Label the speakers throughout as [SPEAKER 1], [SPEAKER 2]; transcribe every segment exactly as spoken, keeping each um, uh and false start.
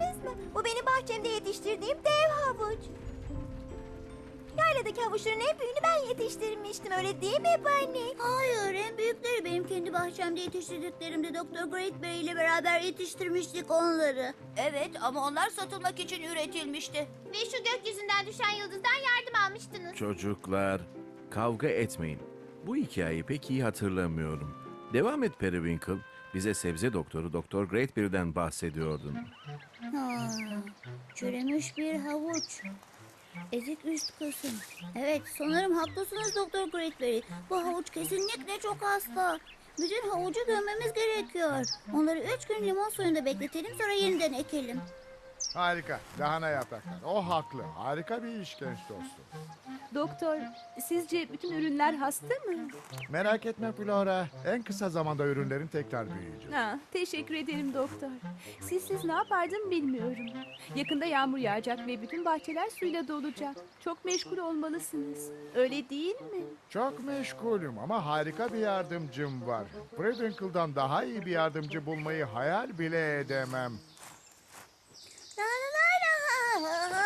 [SPEAKER 1] gördünüz mü? Bu benim bahçemde yetiştirdiğim dev havuç. Yayladaki havuçların en büyüğünü ben yetiştirmiştim, öyle değil mi Bunny?
[SPEAKER 2] Hayır, en büyükleri benim kendi bahçemde yetiştirdiklerimde doktor Greatberry ile beraber yetiştirmiştik onları.
[SPEAKER 3] Evet ama onlar satılmak için üretilmişti.
[SPEAKER 1] Ve şu gökyüzünden düşen yıldızdan yardım almıştınız.
[SPEAKER 4] Çocuklar, kavga etmeyin. Bu hikayeyi pek iyi hatırlamıyorum. Devam et Periwinkle. Bize sebze doktoru Doktor Greatberry'den bahsediyordun.
[SPEAKER 2] Ha, çürümüş bir havuç. Ezik üst kısım. Evet, sanırım haklısınız Doktor Greatberry. Bu havuç kesinlikle çok hasta. Bütün havucu gömmemiz gerekiyor. Onları üç gün limon suyunda bekletelim, sonra yeniden ekelim.
[SPEAKER 5] Harika. Lahana yapraklar. O haklı. Harika bir iş genç dostum.
[SPEAKER 6] Doktor, sizce bütün ürünler hasta mı?
[SPEAKER 5] Merak etme Flora. En kısa zamanda ürünlerin tekrar büyüyecek.
[SPEAKER 6] Ha, teşekkür ederim doktor. Sizsiz ne yapardım bilmiyorum. Yakında yağmur yağacak ve bütün bahçeler suyla dolacak. Çok meşgul olmalısınız. Öyle değil mi?
[SPEAKER 5] Çok meşgulüm ama harika bir yardımcım var. Periwinkle'dan daha iyi bir yardımcı bulmayı hayal bile edemem.
[SPEAKER 2] La la la la.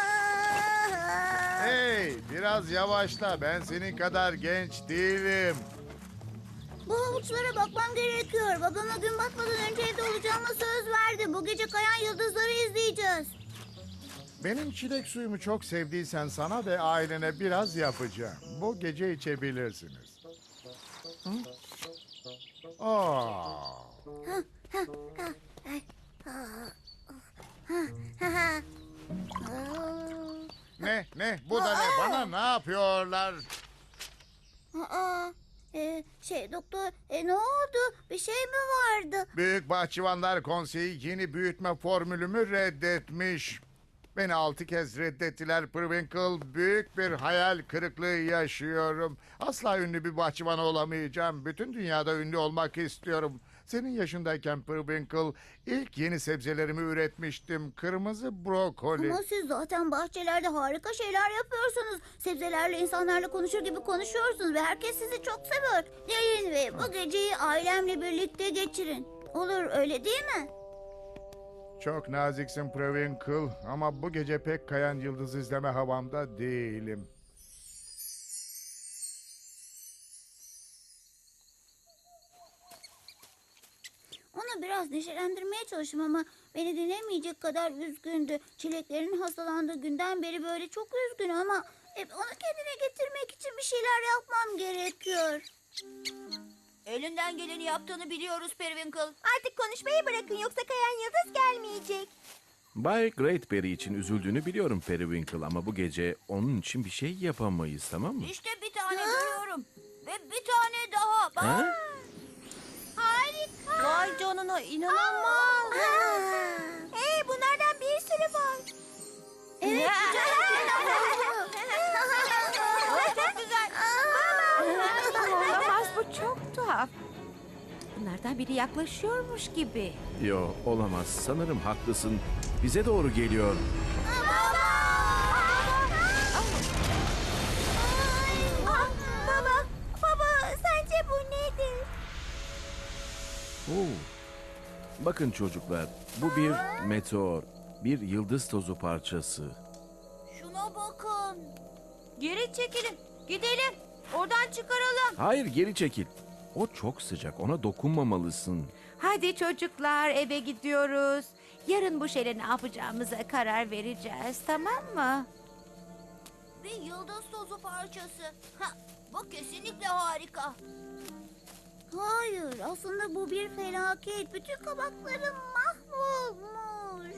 [SPEAKER 5] Hey, biraz yavaşla. Ben senin kadar genç değilim.
[SPEAKER 2] Bu havuçlara bakmam gerekiyor. Babama gün batmadan önce evde olacağıma söz verdim. Bu gece kayan yıldızları izleyeceğiz.
[SPEAKER 5] Benim çilek suyumu çok sevdiysen sana ve ailene biraz yapacağım. Bu gece içebilirsiniz. Hı? Aa. Ne, ne? Bu da ne? Bana ne yapıyorlar?
[SPEAKER 2] Aa, e, şey doktor, e, ne oldu? Bir şey mi vardı?
[SPEAKER 5] Büyük Bahçıvanlar Konseyi yeni büyütme formülümü reddetmiş. Beni altı kez reddettiler Periwinkle. Büyük bir hayal kırıklığı yaşıyorum. Asla ünlü bir bahçıvan olamayacağım. Bütün dünyada ünlü olmak istiyorum. Senin yaşındayken Periwinkle ilk yeni sebzelerimi üretmiştim. Kırmızı brokoli.
[SPEAKER 2] Ama siz zaten bahçelerde harika şeyler yapıyorsunuz. Sebzelerle, insanlarla konuşur gibi konuşuyorsunuz ve herkes sizi çok seviyor. Gelin ve bu geceyi ailemle birlikte geçirin. Olur, öyle değil mi?
[SPEAKER 5] Çok naziksin Periwinkle ama bu gece pek kayan yıldız izleme havamda değilim.
[SPEAKER 2] Onu biraz neşelendirmeye çalıştım ama beni dinlemeyecek kadar üzgündü. Çileklerin hastalandığı günden beri böyle çok üzgün ama hep onu kendine getirmek için bir şeyler yapmam gerekiyor.
[SPEAKER 3] Elinden geleni yaptığını biliyoruz Periwinkle.
[SPEAKER 1] Artık konuşmayı bırakın, yoksa kayan yıldız gelmeyecek.
[SPEAKER 4] Bay Greatberry için üzüldüğünü biliyorum Periwinkle ama bu gece onun için bir şey yapamayız, tamam mı?
[SPEAKER 3] İşte bir tane görüyorum. Ve bir tane daha. Bak.
[SPEAKER 4] Ha?
[SPEAKER 1] Harika.
[SPEAKER 3] Vay canına, inanılmaz.
[SPEAKER 1] Hey, bunlardan bir sürü var.
[SPEAKER 2] Evet,
[SPEAKER 3] Çok güzel.
[SPEAKER 7] Olamaz, bu çok tuhaf. Bunlardan biri yaklaşıyormuş gibi.
[SPEAKER 4] Yo, olamaz. Sanırım haklısın. Bize doğru geliyor.
[SPEAKER 1] Ah, baba, baba, sence bu nedir?
[SPEAKER 4] Oo. Bakın çocuklar, bu bir meteor. Bir yıldız tozu parçası.
[SPEAKER 3] Şuna bakın. Geri çekilin. Gidelim. Oradan çıkaralım.
[SPEAKER 4] Hayır, geri çekil. O çok sıcak, ona dokunmamalısın.
[SPEAKER 7] Hadi çocuklar, eve gidiyoruz. Yarın bu şeyle ne yapacağımıza karar vereceğiz, tamam mı?
[SPEAKER 3] Bir yıldız tozu parçası. Ha, bu kesinlikle harika.
[SPEAKER 2] hayır, aslında bu bir felaket. Bütün kabaklarım mahvolmuş.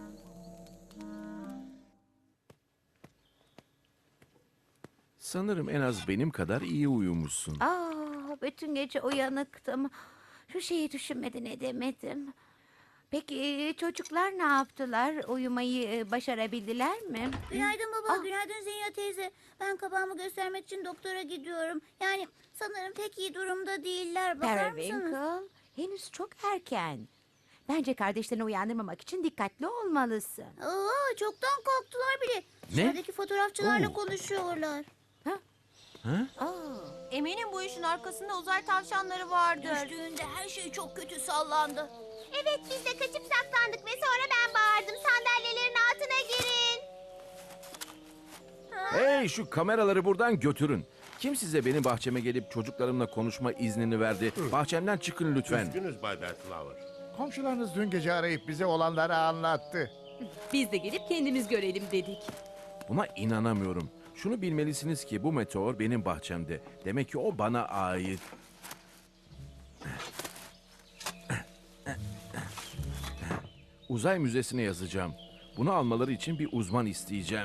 [SPEAKER 4] Sanırım en az benim kadar iyi uyumuşsun.
[SPEAKER 7] Aa, bütün gece uyanıktım. Şu şeyi düşünmeden edemedim. Peki çocuklar ne yaptılar? Uyumayı e, başarabildiler mi?
[SPEAKER 2] Günaydın baba,
[SPEAKER 7] Ah.
[SPEAKER 2] günaydın Zinya teyze. Ben kabağımı göstermek için doktora gidiyorum. Yani sanırım pek iyi durumda değiller. Bakar mısınız?
[SPEAKER 7] Periwinkle, henüz çok erken. Bence kardeşlerini uyandırmamak için dikkatli olmalısın.
[SPEAKER 2] Aa, çoktan kalktılar bile. Dışarıdaki fotoğrafçılarla
[SPEAKER 4] Oo.
[SPEAKER 2] konuşuyorlar.
[SPEAKER 4] Ha?
[SPEAKER 3] Eminim bu işin arkasında uzay tavşanları vardır. Düştüğünde her şey çok kötü sallandı.
[SPEAKER 1] Evet, biz de kaçıp saklandık ve sonra ben bağırdım. Sandalye
[SPEAKER 4] Hey, şu kameraları buradan götürün. Kim size benim bahçeme gelip çocuklarımla konuşma iznini verdi? Bahçemden çıkın lütfen.
[SPEAKER 8] Üzgünüz Bay Bellflower.
[SPEAKER 5] Komşularınız dün gece arayıp bize olanları anlattı.
[SPEAKER 6] Biz de gelip kendimiz görelim dedik.
[SPEAKER 4] Buna inanamıyorum. Şunu bilmelisiniz ki bu meteor benim bahçemde. Demek ki o bana ait. Uzay müzesine yazacağım. Bunu almaları için bir uzman isteyeceğim.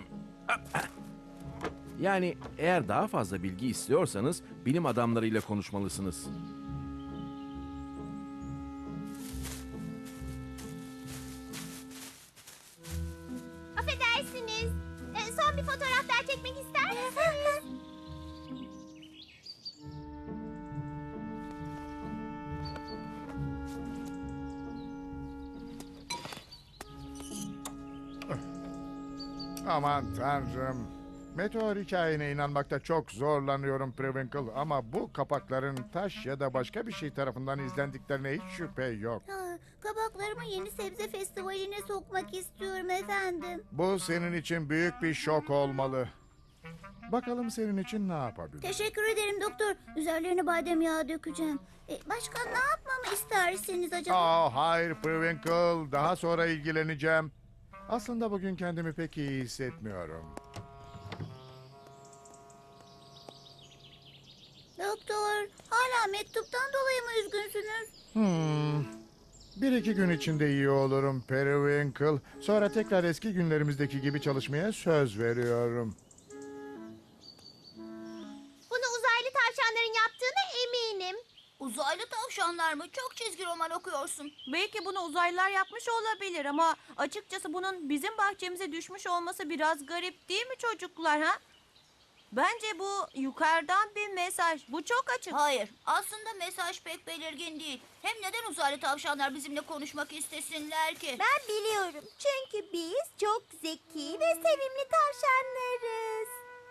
[SPEAKER 4] Yani eğer daha fazla bilgi istiyorsanız bilim adamlarıyla konuşmalısınız.
[SPEAKER 1] Affedersiniz. Ee, son bir fotoğraf daha çekmek ister misiniz?
[SPEAKER 5] Aman tanrım. Meteor hikayene inanmakta çok zorlanıyorum Prewinkle ama bu kapakların taş ya da başka bir şey tarafından izlendiklerine hiç şüphe yok.
[SPEAKER 2] Ha, kabaklarımı yeni sebze festivaline sokmak istiyorum efendim.
[SPEAKER 5] Bu senin için büyük bir şok olmalı. Bakalım senin için ne yapabilir?
[SPEAKER 2] Teşekkür ederim doktor. Üzerlerine badem yağı dökeceğim. E, başka ne yapmamı istersiniz acaba?
[SPEAKER 5] Aa, hayır Prewinkle, daha sonra ilgileneceğim. Aslında bugün kendimi pek iyi hissetmiyorum.
[SPEAKER 2] Doktor, hala mektuptan dolayı mı üzgünsünüz?
[SPEAKER 5] Hmm. Bir iki gün içinde iyi olurum Periwinkle. Sonra tekrar eski günlerimizdeki gibi çalışmaya söz veriyorum.
[SPEAKER 1] Bunu uzaylı tavşanların yaptığına eminim.
[SPEAKER 3] Uzaylı tavşanlar mı? Çok çizgi roman okuyorsun.
[SPEAKER 9] Belki bunu uzaylılar yapmış olabilir ama açıkçası bunun bizim bahçemize düşmüş olması biraz garip değil mi çocuklar ha? Bence bu yukarıdan bir mesaj. Bu çok açık.
[SPEAKER 3] Hayır, aslında mesaj pek belirgin değil. Hem neden uzaylı tavşanlar bizimle konuşmak istesinler ki?
[SPEAKER 1] Ben biliyorum. Çünkü biz çok zeki ve sevimli tavşanlarız.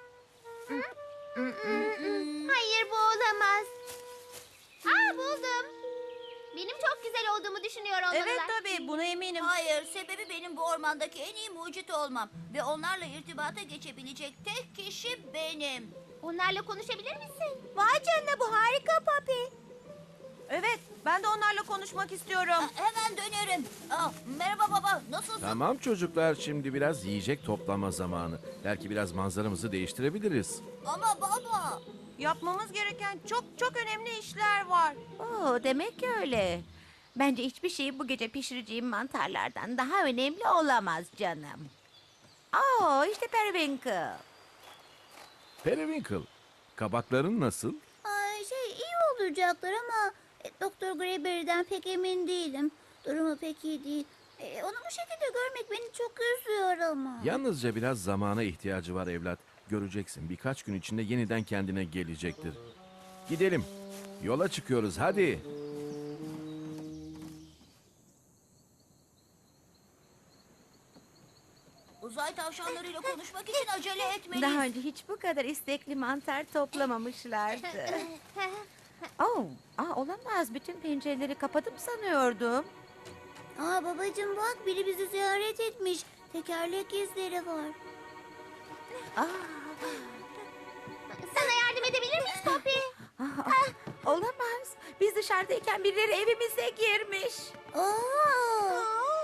[SPEAKER 1] Hayır, bu olamaz. Aa, buldum. Benim çok güzel olduğumu düşünüyor olmalılar.
[SPEAKER 9] Evet tabii buna eminim.
[SPEAKER 3] Hayır, sebebi benim bu ormandaki en iyi mucit olmam. Ve onlarla irtibata geçebilecek tek kişi benim.
[SPEAKER 1] Onlarla konuşabilir misin? Vay canına, bu harika Papi.
[SPEAKER 9] Evet ben de onlarla konuşmak istiyorum.
[SPEAKER 3] Ha, hemen dönerim. Aa, merhaba baba, nasılsın?
[SPEAKER 4] Tamam çocuklar, şimdi biraz yiyecek toplama zamanı. Belki biraz manzaramızı değiştirebiliriz.
[SPEAKER 3] Ama baba...
[SPEAKER 9] Yapmamız gereken çok çok önemli işler var.
[SPEAKER 7] Oo, demek öyle. Bence hiçbir şey bu gece pişireceğim mantarlardan daha önemli olamaz canım. Oo, işte Periwinkle.
[SPEAKER 4] Periwinkle, kabakların nasıl?
[SPEAKER 2] Ay, şey iyi olacaklar ama e, Doktor Greyberry'den pek emin değilim. Durumu pek iyi değil. E, onu bu şekilde görmek beni çok üzüyor ama.
[SPEAKER 4] Yalnızca biraz zamana ihtiyacı var evlat. Göreceksin, birkaç gün içinde yeniden kendine gelecektir. Gidelim. Yola çıkıyoruz, hadi.
[SPEAKER 3] Uzay tavşanlarıyla konuşmak için acele etmeliyiz.
[SPEAKER 7] Daha önce hiç bu kadar istekli mantar toplamamışlardı. Oo, aa, olamaz. Bütün pencereleri kapadım sanıyordum.
[SPEAKER 2] Aa babacığım bak, biri bizi ziyaret etmiş. Tekerlek izleri var.
[SPEAKER 7] Aa,
[SPEAKER 1] Sana yardım edebilir miyiz Papi?
[SPEAKER 7] aa, aa, olamaz. Biz dışarıdayken birileri evimize girmiş.
[SPEAKER 2] Aa!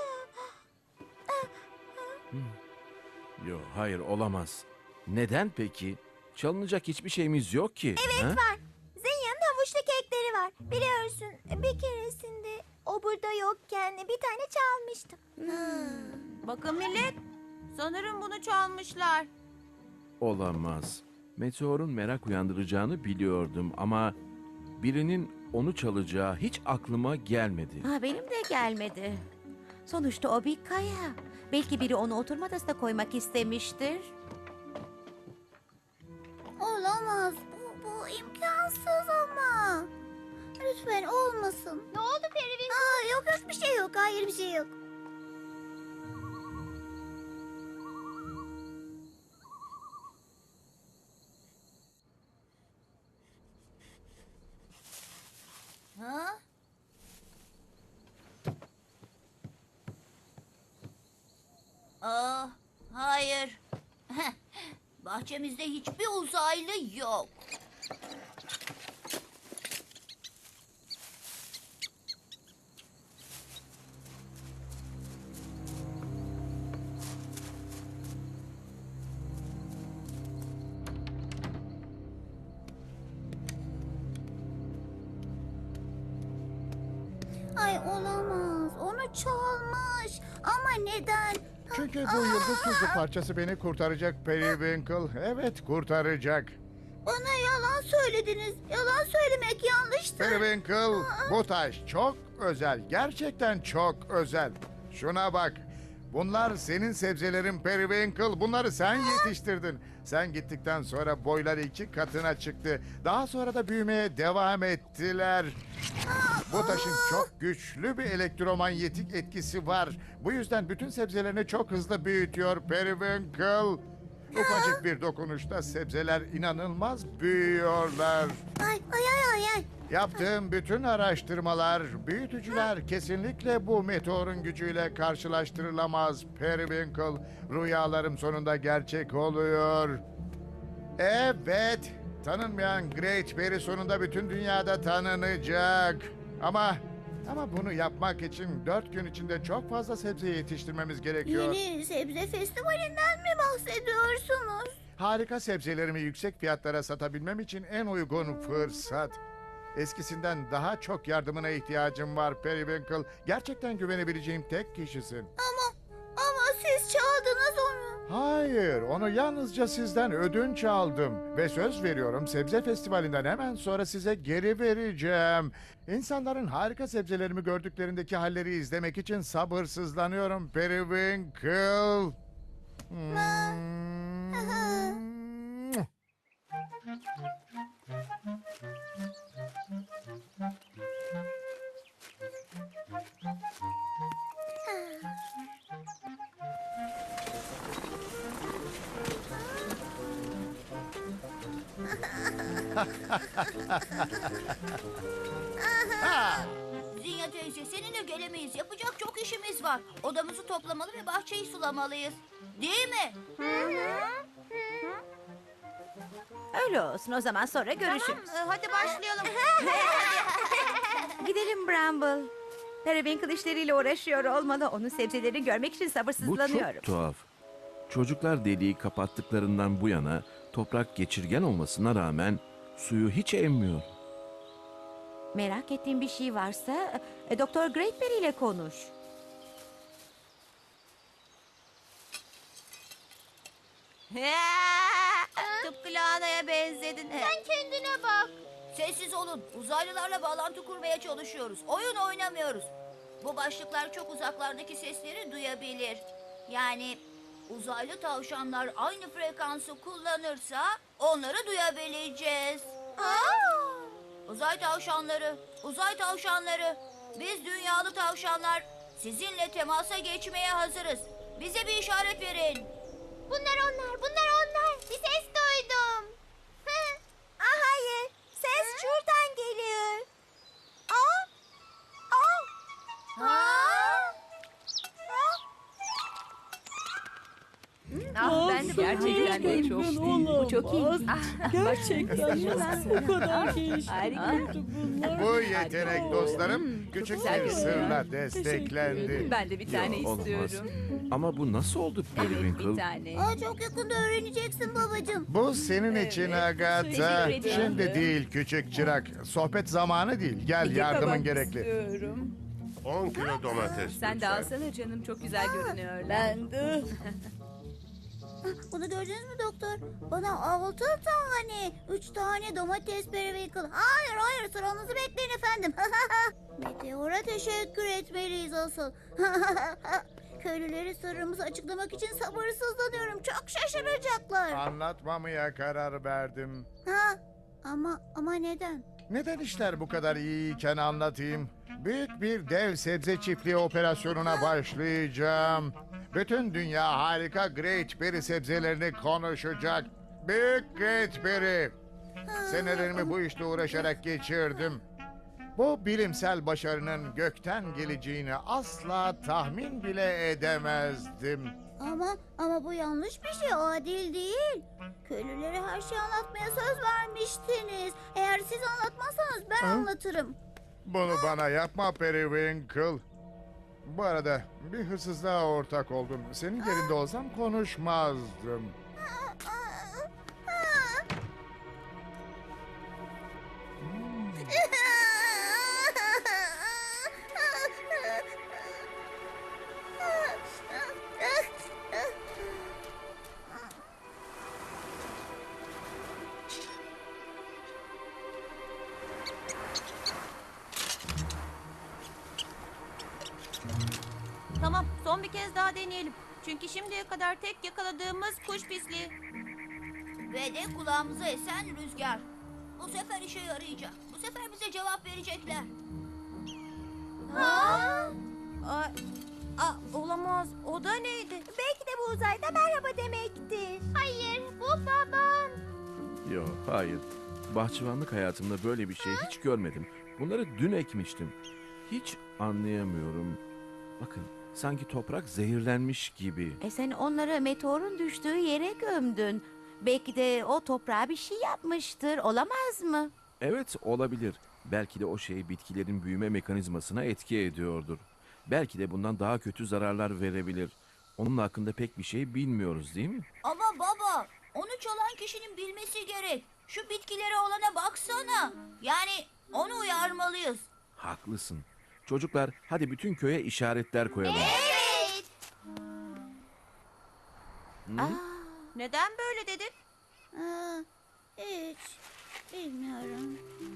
[SPEAKER 4] Yo, hayır olamaz. Neden peki? Çalınacak hiçbir şeyimiz yok ki. Evet
[SPEAKER 1] Var. Zenya'nın havuçlu kekleri var. Biliyorsun, bir keresinde o burada yokken bir tane çalmıştım.
[SPEAKER 9] Bakın millet sanırım bunu çalmışlar.
[SPEAKER 4] Olamaz. Meteorun merak uyandıracağını biliyordum ama birinin onu çalacağı hiç aklıma gelmedi.
[SPEAKER 7] Ha, benim de gelmedi. Sonuçta o bir kaya. Belki biri onu oturma odasına koymak istemiştir.
[SPEAKER 2] Olamaz. Bu, bu imkansız ama. Lütfen olmasın.
[SPEAKER 1] Ne oldu Periwinkle?
[SPEAKER 2] Aa, yok yok bir şey yok. Hayır bir şey yok.
[SPEAKER 3] Ha? Aa, hayır. Bahçemizde hiçbir uzaylı yok.
[SPEAKER 2] Ay olamaz. Onu çalmış. Ama neden?
[SPEAKER 5] Çünkü bu yıldız tuzu parçası beni kurtaracak Periwinkle. Evet, kurtaracak.
[SPEAKER 2] Bana yalan söylediniz. Yalan söylemek yanlıştı.
[SPEAKER 5] Periwinkle, bu taş çok özel. Gerçekten çok özel. Şuna bak. Bunlar senin sebzelerin Periwinkle. Bunları sen yetiştirdin. Sen gittikten sonra boyları iki katına çıktı. Daha sonra da büyümeye devam ettiler. Bu taşın çok güçlü bir elektromanyetik etkisi var. Bu yüzden bütün sebzelerini çok hızlı büyütüyor Periwinkle. Ufacık bir dokunuşta sebzeler inanılmaz büyüyorlar.
[SPEAKER 2] Ay ay ay ay ay.
[SPEAKER 5] Yaptığım bütün araştırmalar, büyütücüler kesinlikle bu meteorun gücüyle karşılaştırılamaz Periwinkle. Rüyalarım sonunda gerçek oluyor. Evet, tanınmayan Great Berry sonunda bütün dünyada tanınacak. Ama ama bunu yapmak için dört gün içinde çok fazla sebze yetiştirmemiz gerekiyor.
[SPEAKER 2] Yeni sebze festivalinden mi bahsediyorsunuz?
[SPEAKER 5] Harika sebzelerimi yüksek fiyatlara satabilmem için en uygun fırsat. Eskisinden daha çok yardımına ihtiyacım var Periwinkle. Gerçekten güvenebileceğim tek kişisin.
[SPEAKER 2] Ama ama siz çaldınız onu.
[SPEAKER 5] Hayır, onu yalnızca sizden ödünç aldım. Ve söz veriyorum sebze festivalinden hemen sonra size geri vereceğim. İnsanların harika sebzelerimi gördüklerindeki halleri izlemek için sabırsızlanıyorum Periwinkle. Hmm.
[SPEAKER 3] Zinya teyze, seninle gelemeyiz. Yapacak çok işimiz var. Odamızı toplamalı ve bahçeyi sulamalıyız. Değil mi?
[SPEAKER 7] Öyle olsun, o zaman sonra görüşürüz.
[SPEAKER 9] Tamam, e, hadi başlayalım.
[SPEAKER 7] Gidelim Bramble. Periwinkle işleriyle uğraşıyor olmalı. Onun sebzelerini görmek için
[SPEAKER 4] Bu
[SPEAKER 7] sabırsızlanıyorum.
[SPEAKER 4] çok tuhaf. Çocuklar deliği kapattıklarından bu yana toprak geçirgen olmasına rağmen suyu hiç emmiyor.
[SPEAKER 7] Merak ettiğin bir şey varsa e, Doktor Greatberry ile konuş.
[SPEAKER 9] Tıpkı lahanaya benzedin.
[SPEAKER 3] Sen kendine bak. Sessiz olun. Uzaylılarla bağlantı kurmaya çalışıyoruz. Oyun oynamıyoruz. Bu başlıklar çok uzaklardaki sesleri duyabilir. Yani uzaylı tavşanlar aynı frekansı kullanırsa onları duyabileceğiz. Uzay tavşanları, uzay tavşanları. Biz dünyalı tavşanlar sizinle temasa geçmeye hazırız. Bize bir işaret verin.
[SPEAKER 1] Bunlar onlar, bunlar onlar. Bir ses duydum. ah hayır, ses şuradan geliyor. Aa, aa, aa.
[SPEAKER 7] Ah, ben de gerçekten de çok iyi. Bu çok iyi. Ah,
[SPEAKER 8] Gerçekten bu kadar gelişmiş
[SPEAKER 7] Harika.
[SPEAKER 8] bunlar.
[SPEAKER 5] Bu yetenek dostlarım küçük
[SPEAKER 7] güzel
[SPEAKER 5] bir
[SPEAKER 7] görünüyor.
[SPEAKER 5] sırla desteklendi.
[SPEAKER 6] Ben de bir tane
[SPEAKER 4] Yok, olmaz.
[SPEAKER 6] istiyorum.
[SPEAKER 4] Ama bu nasıl oldu
[SPEAKER 6] Evet
[SPEAKER 4] Periwinkle?
[SPEAKER 6] bir tane.
[SPEAKER 2] Aa, çok yakında öğreneceksin babacığım.
[SPEAKER 5] Bu senin için Agatha.
[SPEAKER 6] Teşekkür ederim.
[SPEAKER 5] Şimdi değil küçük çırak. Sohbet zamanı değil. Gel
[SPEAKER 6] İki
[SPEAKER 5] yardımın
[SPEAKER 6] kabak
[SPEAKER 5] gerekli.
[SPEAKER 6] istiyorum.
[SPEAKER 8] on kilo domates
[SPEAKER 6] Sen de
[SPEAKER 8] lütfen.
[SPEAKER 6] alsana canım, çok güzel görünüyorlar.
[SPEAKER 8] Ben de.
[SPEAKER 2] Bunu gördünüz mü doktor? Bana altı tane, üç tane domates Periwinkle. Hayır hayır, sıranızı bekleyin efendim. Meteora teşekkür etmeliyiz asıl. Köylüleri sırrımızı açıklamak için sabırsızlanıyorum. Çok şaşıracaklar.
[SPEAKER 5] Anlatmamaya karar verdim.
[SPEAKER 2] Ha, ama ama neden?
[SPEAKER 5] Neden işler bu kadar iyiyken anlatayım. Büyük bir dev sebze çiftliği operasyonuna başlayacağım. Bütün dünya harika Great Berry sebzelerini konuşacak. Büyük Great Berry. Senelerimi bu işle uğraşarak geçirdim. Bu bilimsel başarının gökten geleceğini asla tahmin bile edemezdim.
[SPEAKER 2] Ama ama bu yanlış bir şey, adil değil. Köylülere her şeyi anlatmaya söz vermiştiniz. Eğer siz anlatmazsanız ben anlatırım.
[SPEAKER 5] Bunu bana yapma Periwinkle. Bu arada bir hırsızlığa ortak oldum. Senin yerinde olsam konuşmazdım.
[SPEAKER 9] Tamam, son bir kez daha deneyelim. Çünkü şimdiye kadar tek yakaladığımız kuş pisliği.
[SPEAKER 3] Ve de kulağımıza esen rüzgar. Bu sefer işe yarayacak. Bu sefer bize cevap verecekler.
[SPEAKER 9] Aa, aa, olamaz. O da neydi?
[SPEAKER 1] Belki de bu uzayda merhaba demektir. Hayır, bu babam.
[SPEAKER 4] Yok, hayır. Bahçıvanlık hayatımda böyle bir şey hiç görmedim. Bunları dün ekmiştim. Hiç anlayamıyorum. Bakın, sanki toprak zehirlenmiş gibi.
[SPEAKER 7] E sen onları meteorun düştüğü yere gömdün. Belki de o toprağa bir şey yapmıştır. Olamaz mı?
[SPEAKER 4] Evet, olabilir. Belki de o şey bitkilerin büyüme mekanizmasına etki ediyordur. Belki de bundan daha kötü zararlar verebilir. Onun hakkında pek bir şey bilmiyoruz, değil mi?
[SPEAKER 3] Ama baba, onu çalan kişinin bilmesi gerek. Şu bitkilere olana baksana. Yani onu uyarmalıyız.
[SPEAKER 4] Haklısın. Çocuklar, hadi bütün köye işaretler koyalım.
[SPEAKER 1] Evet.
[SPEAKER 9] Neden böyle dedin?
[SPEAKER 2] Aa, hiç bilmiyorum.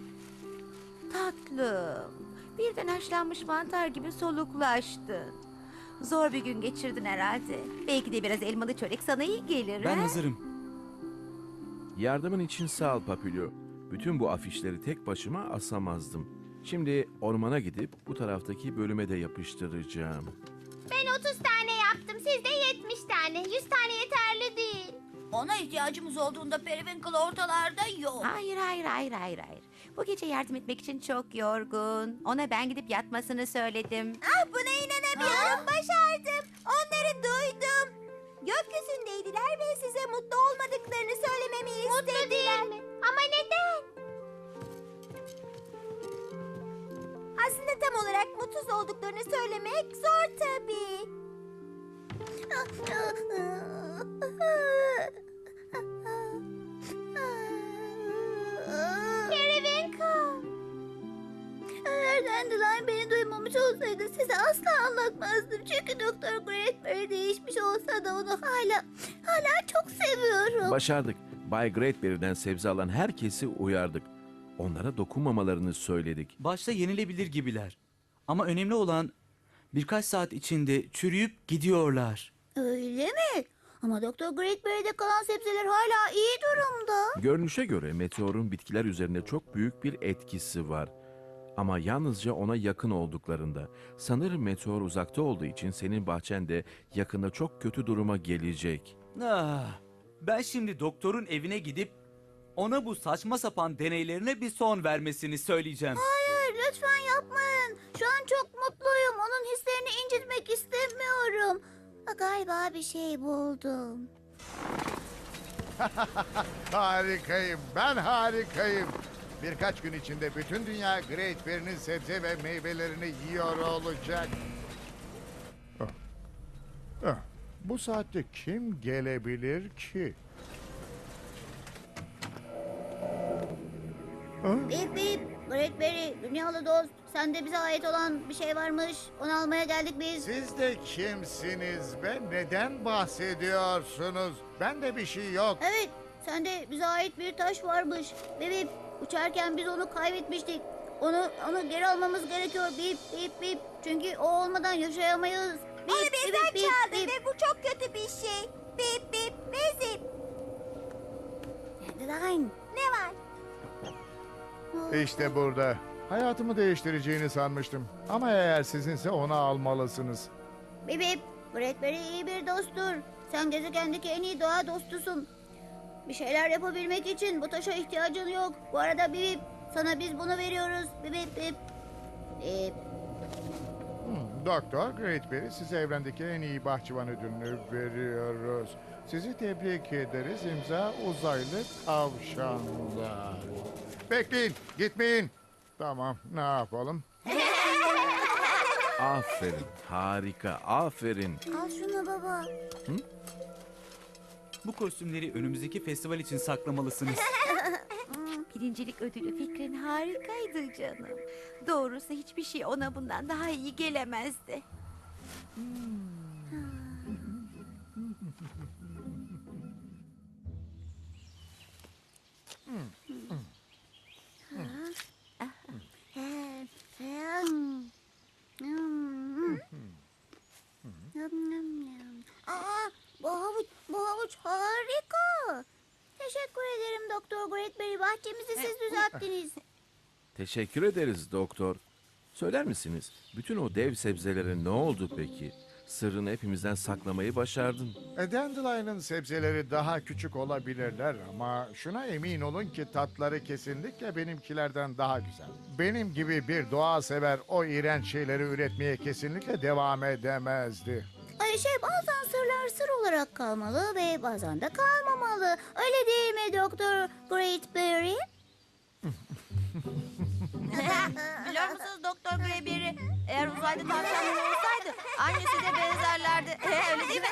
[SPEAKER 7] Tatlım. Birden haşlanmış mantar gibi soluklaştın. Zor bir gün geçirdin herhalde. Belki de biraz elmalı çörek sana iyi gelir.
[SPEAKER 10] Ben
[SPEAKER 7] ha?
[SPEAKER 10] hazırım.
[SPEAKER 4] Yardımın için sağ ol Papilio. Bütün bu afişleri tek başıma asamazdım. Şimdi ormana gidip bu taraftaki bölüme de yapıştıracağım.
[SPEAKER 1] Ben otuz tane yaptım. Siz de yetmiş tane. yüz tane yeterli değil.
[SPEAKER 3] Ona ihtiyacımız olduğunda Periwinkle ortalarda yok.
[SPEAKER 7] Hayır hayır hayır hayır hayır. Bu gece yardım etmek için çok yorgun. Ona ben gidip yatmasını söyledim.
[SPEAKER 1] Ah, buna inanamıyorum. Başardım. Onları duydum. Gökyüzündeydiler ve size mutlu olmadıklarını söylememi istediler. Mutlu değil mi? Ama neden? Aslında tam olarak mutsuz olduklarını söylemek zor tabii. Periwinkle.
[SPEAKER 2] Eğer Dandelion beni duymamış olsaydı size asla anlatmazdım. Çünkü Doktor Greatberry değişmiş olsa da onu hala hala çok seviyorum.
[SPEAKER 4] Başardık. Bay Greatberry'den sebze alan herkesi uyardık. Onlara dokunmamalarını söyledik.
[SPEAKER 10] Başta yenilebilir gibiler. Ama önemli olan birkaç saat içinde çürüyüp gidiyorlar.
[SPEAKER 2] Öyle mi? Ama Doktor Greatberry'de kalan sebzeler hala iyi durumda.
[SPEAKER 4] Görünüşe göre meteorun bitkiler üzerinde çok büyük bir etkisi var. Ama yalnızca ona yakın olduklarında. Sanırım meteor uzakta olduğu için senin bahçen de yakında çok kötü duruma gelecek.
[SPEAKER 10] Ah, ben şimdi doktorun evine gidip ona bu saçma sapan deneylerine bir son vermesini söyleyeceğim.
[SPEAKER 2] Hayır, lütfen yapmayın. Şu an çok mutluyum. Onun hislerini incitmek istemiyorum. Galiba bir şey buldum.
[SPEAKER 5] Harikayım, ben harikayım. Birkaç gün içinde bütün dünya Greatberry'nin sebze ve meyvelerini yiyor olacak. Ah. Ah, bu saatte kim gelebilir ki?
[SPEAKER 2] Bip bip, Greatberry, dünyalı dost. Sende bize ait olan bir şey varmış. Onu almaya geldik biz.
[SPEAKER 5] Siz de kimsiniz be? Neden bahsediyorsunuz? Bende bir şey yok.
[SPEAKER 2] Evet, sende bize ait bir taş varmış. Bip bip, uçarken biz onu kaybetmiştik. Onu onu geri almamız gerekiyor. Bip bip bip. Çünkü o olmadan yaşayamayız. Bip,
[SPEAKER 1] Onu
[SPEAKER 2] bip,
[SPEAKER 1] bizden
[SPEAKER 2] bip,
[SPEAKER 1] çaldı
[SPEAKER 2] bip.
[SPEAKER 1] ve bu çok kötü bir şey. Bip bip ve zip.
[SPEAKER 2] Dandelion.
[SPEAKER 1] Ne var?
[SPEAKER 5] İşte burada. Hayatımı değiştireceğini sanmıştım. Ama eğer sizinse onu almalısınız.
[SPEAKER 2] Bip bip, Greatberry iyi bir dosttur. Sen gezegendeki en iyi doğa dostusun. Bir şeyler yapabilmek için bu taşa ihtiyacın yok. Bu arada bip bip, sana biz bunu veriyoruz. Bip bip bip. Bip.
[SPEAKER 5] Hmm, Doktor Greatberry, size evrendeki en iyi bahçıvan ödülünü veriyoruz. Sizi tebrik ederiz. İmza uzaylı tavşanlar. Bekleyin, gitmeyin. Tamam, ne yapalım?
[SPEAKER 4] Aferin, harika, aferin.
[SPEAKER 2] Al şunu baba.
[SPEAKER 10] Bu kostümleri önümüzdeki festival için saklamalısınız.
[SPEAKER 7] Birincilik ödülü fikrin harikaydı canım. Doğrusu hiçbir şey ona bundan daha iyi gelemezdi.
[SPEAKER 2] Aa, bu havuç, bu havuç harika. Teşekkür ederim Doktor Greatberry. Bahçemizi siz düzelttiniz.
[SPEAKER 4] Teşekkür ederiz doktor. Söyler misiniz, bütün o dev sebzelere ne oldu peki? Sırrını hepimizden saklamayı başardın.
[SPEAKER 5] E, Dandelion'ın sebzeleri daha küçük olabilirler ama şuna emin olun ki tatları kesinlikle benimkilerden daha güzel. Benim gibi bir doğa sever o iğrenç şeyleri üretmeye kesinlikle devam edemezdi.
[SPEAKER 2] Ay şey bazen sırlar sır olarak kalmalı ve bazen de kalmamalı. Öyle değil mi Doktor Greatberry?
[SPEAKER 9] Biliyor musunuz Doktor Greyberry? Eğer uzaylı tavşanlar olsaydı annesi de benzerlerdi. Öyle değil mi?